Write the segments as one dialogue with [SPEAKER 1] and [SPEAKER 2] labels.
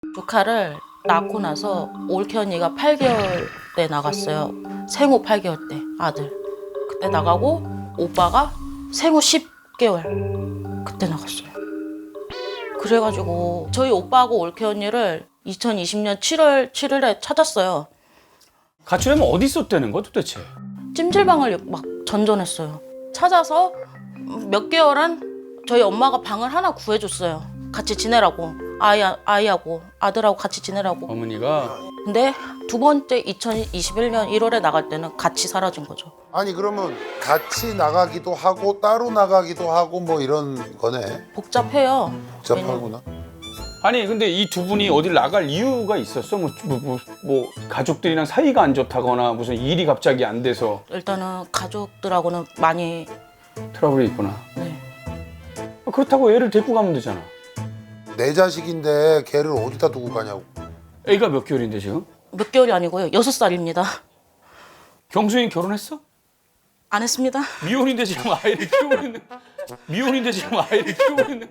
[SPEAKER 1] 조카를 낳고 나서 올케 언니가 8개월 때 나갔어요. 생후 8개월 때 아들. 그때 나가고 오빠가 생후 10개월 그때 나갔어요. 그래가지고 저희 오빠하고 올케 언니를 2020년 7월 7일에 찾았어요.
[SPEAKER 2] 가출하면 어디 있었다는 거 도대체?
[SPEAKER 1] 찜질방을 막 전전했어요. 찾아서 몇 개월한 저희 엄마가 방을 하나 구해줬어요. 같이 지내라고. 아이하고 아들하고 같이 지내라고.
[SPEAKER 2] 어머니가
[SPEAKER 1] 근데 두 번째 2021년 1월에 나갈 때는 같이 사라진 거죠.
[SPEAKER 3] 아니 그러면 같이 나가기도 하고 따로 나가기도 하고 뭐 이런 거네.
[SPEAKER 1] 복잡해요.
[SPEAKER 3] 복잡하구나.
[SPEAKER 2] 아니 근데 이 두 분이 어딜 나갈 이유가 있었어? 뭐 가족들이랑 사이가 안 좋다거나 무슨 일이 갑자기 안 돼서
[SPEAKER 1] 일단은 가족들하고는 많이
[SPEAKER 2] 트러블이 있구나.
[SPEAKER 1] 네.
[SPEAKER 2] 그렇다고 애를 데리고 가면 되잖아.
[SPEAKER 3] 내 자식인데 걔를 어디다 두고 가냐고.
[SPEAKER 2] 애가 몇 개월인데 지금?
[SPEAKER 1] 몇 개월이 아니고요. 6살입니다.
[SPEAKER 2] 경수인 결혼했어?
[SPEAKER 1] 안 했습니다.
[SPEAKER 2] 미혼인데 지금 아이를 키우고 있는. 미혼인데 지금 아이를 키우고 있는.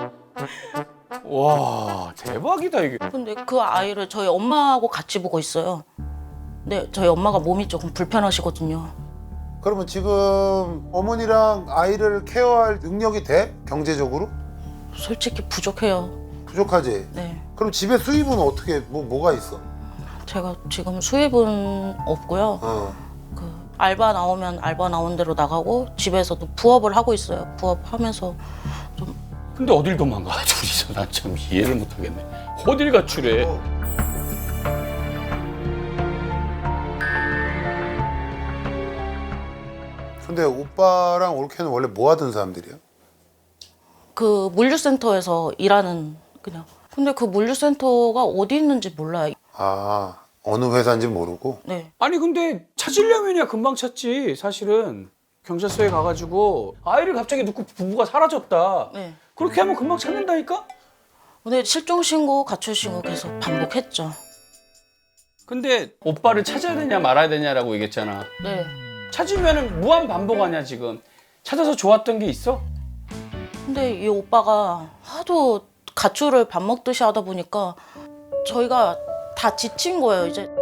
[SPEAKER 2] 와 대박이다 이게.
[SPEAKER 1] 근데 그 아이를 저희 엄마하고 같이 보고 있어요. 근데 저희 엄마가 몸이 조금 불편하시거든요.
[SPEAKER 3] 그러면 지금 어머니랑 아이를 케어할 능력이 돼? 경제적으로?
[SPEAKER 1] 솔직히 부족해요.
[SPEAKER 3] 부족하지?
[SPEAKER 1] 네.
[SPEAKER 3] 그럼 집에 수입은 어떻게 뭐가 있어?
[SPEAKER 1] 제가 지금 수입은 없고요. 그 알바 나오면 알바 나온 대로 나가고 집에서도 부업을 하고 있어요. 부업하면서 좀
[SPEAKER 2] 근데 어딜 도망가 둘이서 난 참 이해를 못하겠네. 어딜 가출해?
[SPEAKER 3] 근데 오빠랑 올케는 원래 뭐 하던 사람들이야?
[SPEAKER 1] 그 물류센터에서 일하는 그냥. 근데 그 물류센터가 어디 있는지 몰라요.
[SPEAKER 3] 아 어느 회사인지 모르고?
[SPEAKER 1] 네.
[SPEAKER 2] 아니 근데 찾으려면야 금방 찾지 사실은. 경찰서에 가가지고 아이를 갑자기 놓고 부부가 사라졌다.
[SPEAKER 1] 네.
[SPEAKER 2] 그렇게 하면 금방 찾는다니까?
[SPEAKER 1] 근데 실종 신고, 가출 신고 계속 반복했죠.
[SPEAKER 2] 근데 오빠를 찾아야 되냐 말아야 되냐라고 얘기했잖아.
[SPEAKER 1] 네.
[SPEAKER 2] 찾으면은 무한 반복 아니야 지금. 찾아서 좋았던 게 있어?
[SPEAKER 1] 근데 이 오빠가 하도 가출을 밥 먹듯이 하다 보니까 저희가 다 지친 거예요. 이제